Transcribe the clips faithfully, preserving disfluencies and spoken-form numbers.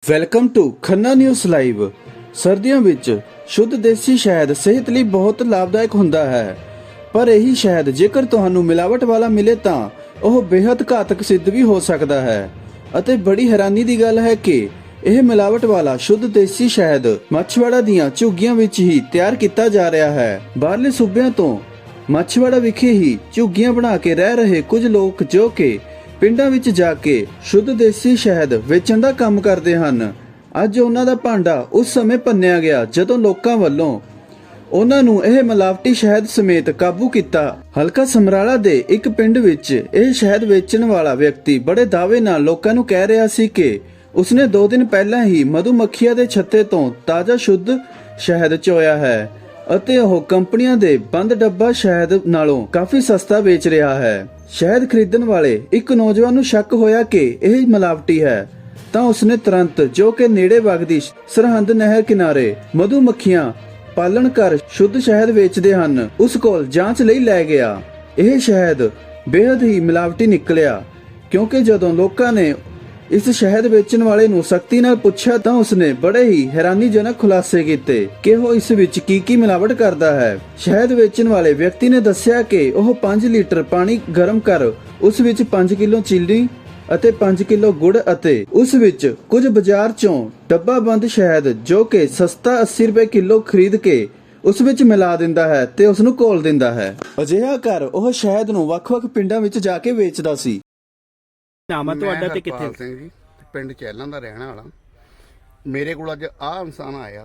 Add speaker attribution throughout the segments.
Speaker 1: Welcome to Khanna news live. ਸਰਦੀਆਂ ਵਿੱਚ ਸ਼ੁੱਧ ਦੇਸੀ ਸ਼ਹਿਦ ਸਿਹਤ ਲਈ ਬਹੁਤ ਲਾਭਦਾਇਕ ਹੁੰਦਾ ਹੈ, ਪਰ ਇਹੀ ਸ਼ਹਿਦ ਜੇਕਰ ਤੁਹਾਨੂੰ ਮਿਲਾਵਟ ਵਾਲਾ ਮਿਲੇ ਤਾਂ ਉਹ ਬੇहद ਘਾਤਕ ਸਿੱਧ ਵੀ ਹੋ ਸਕਦਾ ਹੈ। ਅਤੇ ਬੜੀ ਹੈਰਾਨੀ ਦੀ ਗੱਲ ਹੈ ਕਿ ਇਹ ਮਿਲਾਵਟ ਵਾਲਾ ਸ਼ੁੱਧ ਦੇਸੀ ਸ਼ਹਿਦ ਮੱਛਵਾੜਾ ਦੀਆਂ ਝੁੱਗੀਆਂ ਵਿੱਚ ਹੀ ਤਿਆਰ ਕੀਤਾ ਜਾ ਰਿਹਾ ਹੈ। ਬਾਹਰਲੇ ਸੂਬਿਆਂ ਤੋਂ ਮੱਛਵਾੜਾ ਵਿਖੇ ਹੀ ਝੁੱਗੀਆਂ ਬਣਾ ਕੇ ਰਹਿ ਰਹੇ ਕੁਝ ਲੋਕ ਜੋ ਕਿ ਪਿੰਡਾਂ ਵਿੱਚ ਜਾ ਕੇ ਸ਼ੁੱਧ ਦੇਸੀ ਸ਼ਹਿਦ ਵੇਚਣ ਦਾ ਕੰਮ ਕਰਦੇ ਹਨ, ਅੱਜ ਉਹਨਾਂ ਦਾ ਭਾਂਡਾ ਉਸ ਸਮੇਂ ਭੰਨਿਆ ਗਿਆ ਜਦੋਂ ਲੋਕਾਂ ਵੱਲੋਂ ਉਹਨਾਂ ਨੂੰ ਇਹ ਮਿਲਾਵਟੀ ਸ਼ਹਿਦ ਸਮੇਤ ਕਾਬੂ ਕੀਤਾ। ਹਲਕਾ ਸਮਰਾਲਾ ਦੇ ਇੱਕ ਪਿੰਡ ਵਿੱਚ ਇਹ ਸ਼ਹਿਦ ਵੇਚਣ ਵਾਲਾ ਵਿਅਕਤੀ ਬੜੇ ਦਾਅਵੇ ਨਾਲ ਲੋਕਾਂ ਨੂੰ ਕਹਿ ਰਿਹਾ ਸੀ ਕਿ ਉਸਨੇ ਦੋ ਦਿਨ ਪਹਿਲਾਂ ਹੀ ਮਧੂਮੱਖੀਆਂ ਦੇ ਛੱਤੇ ਤੋਂ ਤਾਜ਼ਾ ਸ਼ੁੱਧ ਸ਼ਹਿਦ ਚੋਇਆ ਹੈ ਅਤੇ ਉਹ ਕੰਪਨੀਆਂ ਦੇ ਬੰਦ ਡੱਬਾ ਸ਼ਹਿਦ ਨਾਲੋਂ ਕਾਫੀ ਸਸਤਾ ਵੇਚ ਰਿਹਾ ਹੈ। ਸ਼ਹਿਦ ਖਰੀਦਣ ਵਾਲੇ ਇੱਕ ਨੌਜਵਾਨ ਨੂੰ ਸ਼ੱਕ ਹੋਇਆ ਕਿ ਇਹ ਮਿਲਾਵਟੀ ਹੈ ਤਾਂ ਉਸਨੇ ਤੁਰੰਤ ਜੋ ਕਿ ਨੇੜੇ ਵਗਦੀ ਸਰਹੰਦ ਨਹਿਰ ਕਿਨਾਰੇ ਮਧੂਮੱਖੀਆਂ ਪਾਲਣ ਕਰ ਸ਼ੁੱਧ ਸ਼ਹਿਦ ਵੇਚਦੇ ਹਨ ਉਸ ਕੋਲ ਜਾਂਚ ਲਈ ਲੈ ਗਿਆ। ਇਹ ਸ਼ਹਿਦ ਬੇहद ਹੀ ਮਿਲਾਵਟੀ ਨਿਕਲਿਆ, ਕਿਉਂਕਿ ਜਦੋਂ ਲੋਕਾਂ ਨੇ ਇਸ ਸ਼ਹਿਦ ਵੇਚਣ ਵਾਲੇ ਨੂੰ ਸਖਤੀ ਨਾਲ ਪੁੱਛਿਆ ਤਾਂ ਉਸਨੇ ਬੜੇ ਹੀ ਹੈਰਾਨੀਜਨਕ ਖੁਲਾਸੇ ਕੀਤੇ ਕਿ ਉਹ ਇਸ ਵਿੱਚ ਕੀ ਕੀ ਮਿਲਾਵਟ ਕਰਦਾ ਹੈ। ਸ਼ਹਿਦ ਵੇਚਣ ਵਾਲੇ ਵਿਅਕਤੀ ਨੇ ਦੱਸਿਆ ਕਿ ਉਹ ਪੰਜ ਲੀਟਰ ਪਾਣੀ ਗਰਮ ਕਰ ਉਸ ਵਿੱਚ ਪੰਜ ਕਿਲੋ ਚੀਨੀ ਅਤੇ ਪੰਜ ਕਿਲੋ ਗੁੜ ਅਤੇ ਉਸ ਵਿੱਚ ਕੁਝ ਬਾਜ਼ਾਰ ਚੋਂ ਡੱਬਾ ਬੰਦ ਸ਼ਹਿਦ ਜੋ ਕਿ ਸਸਤਾ ਅੱਸੀ ਰੁਪਏ ਕਿਲੋ ਖਰੀਦ ਕੇ ਉਸ ਵਿੱਚ ਮਿਲਾ ਦਿੰਦਾ ਹੈ ਤੇ ਉਸ ਨੂੰ ਘੋਲ ਦਿੰਦਾ ਹੈ। ਅਜਿਹਾ ਕਰ ਉਹ ਸ਼ਹਿਦ ਨੂੰ ਵੱਖ-ਵੱਖ ਪਿੰਡਾਂ ਵਿੱਚ ਜਾ ਕੇ ਵੇਚਦਾ ਸੀ।
Speaker 2: ਨਾਮ ਆ ਤੁਹਾਡਾ ਤੇ ਕਿੱਥੇ?
Speaker 3: ਸਿੰਘ ਜੀ, ਪਿੰਡ ਚੈਲਾਂ ਦਾ ਰਹਿਣ ਵਾਲਾ। ਮੇਰੇ ਕੋਲ ਅੱਜ ਆਹ ਇਨਸਾਨ ਆਇਆ,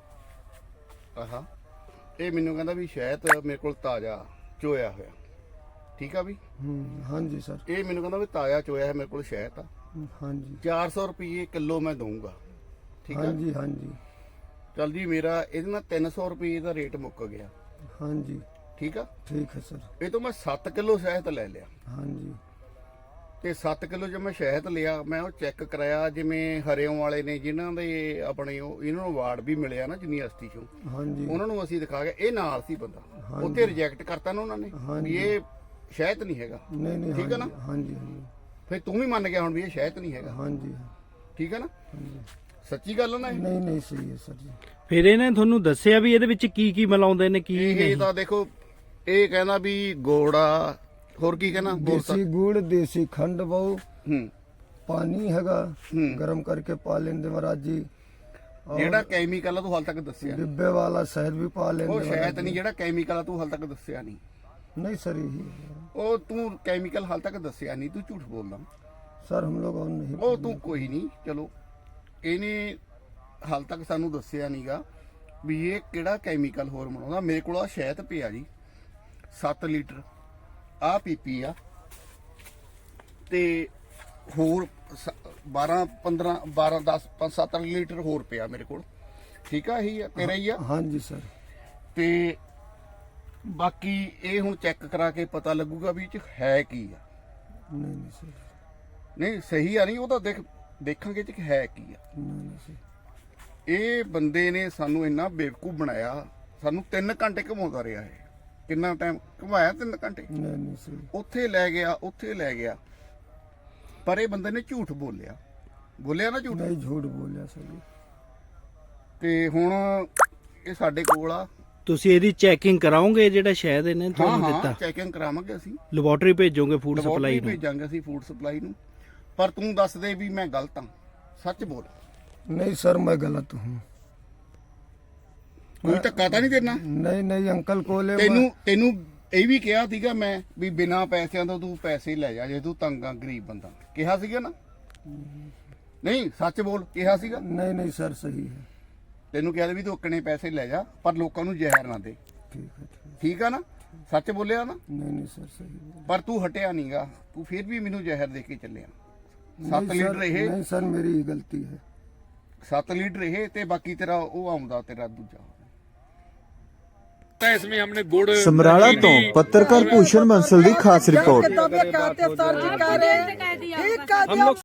Speaker 3: ਆਹਾ ਇਹ ਮੈਨੂੰ ਕਹਿੰਦਾ ਵੀ ਸ਼ਹਿਦ ਮੇਰੇ ਕੋਲ ਤਾਜ਼ਾ ਚੋਇਆ ਹੋਇਆ। ਠੀਕ ਆ ਵੀ?
Speaker 4: ਹਾਂਜੀ ਸਰ।
Speaker 3: ਇਹ ਮੈਨੂੰ ਕਹਿੰਦਾ ਵੀ ਤਾਜ਼ਾ ਚੋਇਆ ਹੈ ਮੇਰੇ ਕੋਲ ਸ਼ਹਿਦ ਆ।
Speaker 4: ਹਾਂਜੀ
Speaker 3: ਚਾਰ ਸੌ ਰੁਪਏ ਕਿਲੋ ਮੈਂ ਦਊਂਗਾ। ਠੀਕ ਆ?
Speaker 4: ਹਾਂਜੀ ਹਾਂਜੀ
Speaker 3: ਚੱਲ ਜੀ, ਮੇਰਾ ਇਹਦੇ ਨਾਲ ਤਿੰਨ ਸੌ ਰੁਪਏ ਦਾ ਰੇਟ ਮੁੱਕ ਗਿਆ।
Speaker 4: ਹਾਂਜੀ
Speaker 3: ਠੀਕ ਆ?
Speaker 4: ਠੀਕ ਹੈ ਸਰ।
Speaker 3: ਇਹ ਤੋਂ ਮੈਂ ਸੱਤ ਕਿਲੋ ਸ਼ਹਿਦ ਲੈ ਲਿਆ
Speaker 4: ਹਾਂਜੀ
Speaker 3: ਤੇ ਸੱਤ ਕਿਲੋ ਜਦ ਮੈਂ ਸ਼ਹਿਦ ਲਿਆ, ਮੈਂ ਉਹ ਚੈੱਕ ਕਰਾਇਆ। ਜਿਵੇਂ ਹਰਿਓਂ ਵਾਲੇ ਨੇ ਜਿਨ੍ਹਾਂ ਦੇ ਆਪਣੇ ਉਹ ਇਹਨਾਂ ਨੂੰ ਅਵਾਰਡ ਵੀ ਮਿਲਿਆ ਨਾ ਯੂਨੀਵਰਸਿਟੀ ਚੋਂ,
Speaker 4: ਹਾਂਜੀ
Speaker 3: ਉਹਨਾਂ ਨੂੰ ਅਸੀਂ ਦਿਖਾ ਕੇ ਇਹ ਨਾਲ ਸੀ ਬੰਦਾ, ਉੱਥੇ ਰਿਜੈਕਟ ਕਰਤਾ ਨਾ ਉਹਨਾਂ ਨੇ ਵੀ ਇਹ ਸ਼ਹਿਦ ਨਹੀਂ ਹੈਗਾ।
Speaker 4: ਨਹੀਂ ਨਹੀਂ
Speaker 3: ਠੀਕ ਹੈ ਨਾ?
Speaker 4: ਹਾਂਜੀ ਹਾਂਜੀ
Speaker 3: ਫਿਰ ਤੂੰ ਵੀ ਮੰਨ ਗਿਆ ਹੁਣ ਵੀ ਇਹ ਸ਼ਹਿਦ ਨਹੀਂ ਹੈਗਾ।
Speaker 4: ਹਾਂਜੀ
Speaker 3: ਠੀਕ ਹੈ ਨਾ? ਸੱਚੀ ਗੱਲ ਹੈ ਨਾ ਇਹ?
Speaker 4: ਨਹੀਂ ਨਹੀਂ ਸਹੀ ਹੈ ਸਰ ਜੀ।
Speaker 2: ਫਿਰ ਇਹਨੇ ਤੁਹਾਨੂੰ ਦੱਸਿਆ ਵੀ ਇਹਦੇ ਵਿੱਚ ਕੀ ਕੀ ਮਿਲਾਉਂਦੇ ਨੇ ਕੀ
Speaker 3: ਇਹ
Speaker 2: ਨਹੀਂ?
Speaker 3: ਤਾਂ ਦੇਖੋ, ਇਹ ਕਹਿੰਦਾ ਵੀ ਗੋੜਾ, ਹੋਰ ਕੀ ਕਹਿੰਦਾ?
Speaker 4: ਦੇਸੀ ਗੁੜ, ਦੇਸੀ ਖੰਡ ਬਹੁ,
Speaker 3: ਹੂੰ
Speaker 4: ਪਾਣੀ ਹੈਗਾ
Speaker 3: ਹੂੰ।
Speaker 4: ਗਰਮ ਕਰਕੇ ਪਾ ਲੈਂਦੇ ਮਹਾਰਾਜ ਜੀ। ਔਰ
Speaker 3: ਜਿਹੜਾ ਕੈਮੀਕਲ ਆ ਤੂੰ ਹਾਲ ਤੱਕ ਦੱਸਿਆ ਨਹੀਂ।
Speaker 4: ਡਿੱਬੇ ਵਾਲਾ ਸ਼ਹਿਦ ਵੀ ਪਾ ਲੈਂਦੇ
Speaker 3: ਉਹ
Speaker 4: ਮਹਾਰਾਜ
Speaker 3: ਸ਼ਹਿਦ
Speaker 4: ਜੀ।
Speaker 3: ਨਹੀਂ, ਜਿਹੜਾ ਕੈਮੀਕਲ ਆ ਤੂੰ ਹਾਲ ਤੱਕ ਦੱਸਿਆ ਨਹੀਂ।
Speaker 4: नहीं सर यही
Speaker 3: ਉਹ ਤੂੰ ਕੈਮੀਕਲ ਹਾਲ ਤੱਕ ਦੱਸਿਆ ਨਹੀਂ, ਤੂੰ ਝੂਠ ਬੋਲਦਾ।
Speaker 4: सर हम लोग और नहीं
Speaker 3: ਉਹ ਤੂੰ ਕੋਈ ਨਹੀਂ, ਚਲੋ ਇਹਨੇ ਹਾਲ ਤੱਕ ਸਾਨੂੰ ਦੱਸਿਆ ਨਹੀਂਗਾ ਵੀ ਇਹ ਕਿਹੜਾ ਕੈਮੀਕਲ ਹੋਰ ਬਣਾਉਂਦਾ। ਮੇਰੇ ਕੋਲ ਆ ਸ਼ਹਿਦ ਪਿਆ ਜੀ ਸੱਤ ਲੀਟਰ, ਆ ਪੀਪੀ ਆ ਤੇ ਹੋਰ ਬਾਰਾਂ ਪੰਦਰਾਂ ਬਾਰਾਂ ਦਸ ਪੰਜ ਸੱਤ ਲੀਟਰ ਹੋਰ ਪਿਆ ਮੇਰੇ ਕੋਲ। ਠੀਕ ਆ? ਇਹੀ ਆ ਤੇਰਾ ਹੀ ਆ?
Speaker 4: हाँ जी सर।
Speaker 3: ਤੇ ਬਾਕੀ ਇਹ ਹੁਣ ਚੈੱਕ ਕਰਾ ਕੇ ਪਤਾ ਲੱਗੂਗਾ ਵੀ ਇਹ ਚ ਹੈ ਕੀ ਆ।
Speaker 4: नहीं नहीं सर।
Speaker 3: ਨਹੀਂ ਸਹੀ ਆ, ਨਹੀਂ ਉਹ ਤਾਂ ਦੇਖ ਦੇਖਾਂਗੇ ਇਹ ਚ ਹੈ ਕੀ ਆ।
Speaker 4: नहीं नहीं सर।
Speaker 3: ਇਹ ਬੰਦੇ ਨੇ ਸਾਨੂੰ ਇੰਨਾ ਬੇਵਕੂਫ ਬਣਾਇਆ, ਸਾਨੂੰ ਤਿੰਨ ਘੰਟੇ ਘੁਮਾਉਂਦਾ ਰਿਹਾ। ਇਹ ਕਿੰਨਾ ਟਾਈਮ ਘੁਮਾਇਆ? ਤਿੰਨ ਘੰਟੇ।
Speaker 4: नहीं नहीं सर।
Speaker 3: ਉੱਥੇ ਲੈ ਗਿਆ, ਉੱਥੇ ਲੈ ਗਿਆ, ਪਰ ਇਹ ਬੰਦੇ ਨੇ ਝੂਠ ਬੋਲਿਆ। ਬੋਲਿਆ ਨਾ ਝੂਠ?
Speaker 4: नहीं झूठ बोलिया सर जी।
Speaker 3: ਤੇ ਹੁਣ ਇਹ ਸਾਡੇ ਕੋਲ ਆ।
Speaker 2: ਤੁਸੀਂ ਇਹਦੀ ਚੈਕਿੰਗ ਕਰਾਓਗੇ ਜਿਹੜਾ ਸ਼ਹਿਦ ਇਹਨੇ
Speaker 3: ਹਾਂ
Speaker 2: ਤੁਹਾਨੂੰ
Speaker 3: ਹਾਂ
Speaker 2: ਦਿੱਤਾ?
Speaker 3: ਚੈਕਿੰਗ ਕਰਾਵਾਂਗੇ ਅਸੀਂ,
Speaker 2: ਲੈਬੋਰੇਟਰੀ ਭੇਜੋਗੇ ਫੂਡ
Speaker 3: ਲੈਬੋਰਟਰੀ
Speaker 2: ਸਪਲਾਈ ਨੂੰ?
Speaker 3: ਭੇਜਾਂਗੇ ਅਸੀਂ ਫੂਡ ਸਪਲਾਈ ਨੂੰ। ਪਰ ਤੂੰ ਦੱਸ ਦੇ ਵੀ ਮੈਂ ਗਲਤ ਹਾਂ, ਸੱਚ ਬੋਲ।
Speaker 4: नहीं सर मैं गलत हूँ।
Speaker 3: ਕੋਈ ਧੱਕਾ ਤਾਂ ਨਹੀਂ ਦੇਣਾ?
Speaker 4: नहीं नहीं अंकल को ले
Speaker 3: ਤੈਨੂੰ ਤੈਨੂੰ ਇਹ ਵੀ ਕਿਹਾ ਸੀਗਾ ਮੈਂ ਵੀ ਬਿਨਾਂ ਪੈਸਿਆਂ ਤੋਂ ਤੂੰ ਪੈਸੇ ਲੈ ਜਾ ਜੇ ਤੂੰ ਤੰਗ ਆ, ਗਰੀਬ ਬੰਦਾ। ਕਿਹਾ ਸੀਗਾ ਨਾ? ਨਹੀਂ ਸੱਚ ਬੋਲ, ਕਿਹਾ ਸੀਗਾ?
Speaker 4: नहीं नहीं सर सही है।
Speaker 3: ਤੈਨੂੰ ਕਿਹਾ ਵੀ ਤੂੰ ਓਕਣੇ ਪੈਸੇ ਲੈ ਜਾ ਪਰ ਲੋਕਾਂ ਨੂੰ ਜ਼ਹਿਰ ਨਾ ਦੇ।
Speaker 4: ठीक है ठीक है।
Speaker 3: ਠੀਕ ਆ ਨਾ? ਸੱਚ ਬੋਲਿਆ ਨਾ?
Speaker 4: नहीं नहीं सर सही है।
Speaker 3: ਪਰ ਤੂੰ ਹਟਿਆ ਨਹੀਂਗਾ, ਤੂੰ ਫਿਰ ਵੀ ਮੈਨੂੰ ਜ਼ਹਿਰ ਦੇ ਕੇ ਚੱਲਿਆ। ਸੱਤ
Speaker 4: नहीं
Speaker 3: ਲੀਟਰ
Speaker 4: सर,
Speaker 3: ਇਹ
Speaker 4: नहीं सर मेरी ही गलती है।
Speaker 3: ਸੱਤ ਲੀਟਰ ਇਹ ਤੇ ਬਾਕੀ ਤੇਰਾ ਉਹ ਆਉਂਦਾ ਤੇਰਾ ਦੂਜਾ।
Speaker 5: इसमें हमने गुड़
Speaker 1: ਸਮਰਾਲਾ ਤੋਂ ਪੱਤਰਕਾਰ ਭੂਸ਼ਣ ਬੰਸਲ ਦੀ ਖਾਸ ਰਿਪੋਰਟ।
Speaker 5: हम लोग